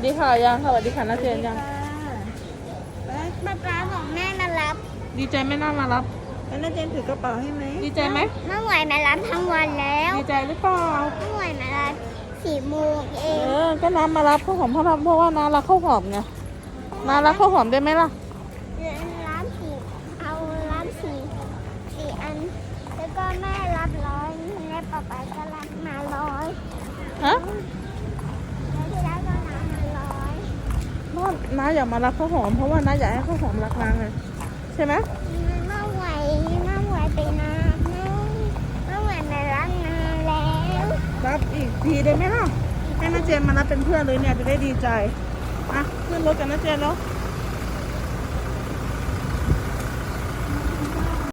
ดีค่ะยังสวัสดีค่ะน้าเจนยังป๊าป๊าของแม่มารับดีใจไหมน่ามารับแล้วน้าเจนถือกระเป๋าให้ไหมดีใจไหมเมื่อไหร่มารับทั้งวันแล้วดีใจหรือเปล่าเมื่อไหร่มารับ4 โมงเอเอง ก็น้ำมารับข้าวหอมเพราะว่าน้ารักข้าวหอมไงน้ารักข้าวหอมได้ไหมล่ะรับเอารับสี่อัน แล้วก็แม่รับ100และป๊าป๊าก็รับมา100 ฮะแล้วที่ร้านก็รับมา100 น้าอยากมารับข้าวหอมเพราะว่าน้าอยากให้ข้าวหอมรักน้าไงใช่ไหมเมื่อไหร่ไปนะเมื่อไหร่มารับนานแล้วรับอีกทีได้ไหมล่ะให้น้าเจนมารับเป็นเพื่อนเลยเนี่ยจะได้ดีใจอ่ะขึ้นรถกันน้าเจนแล้ว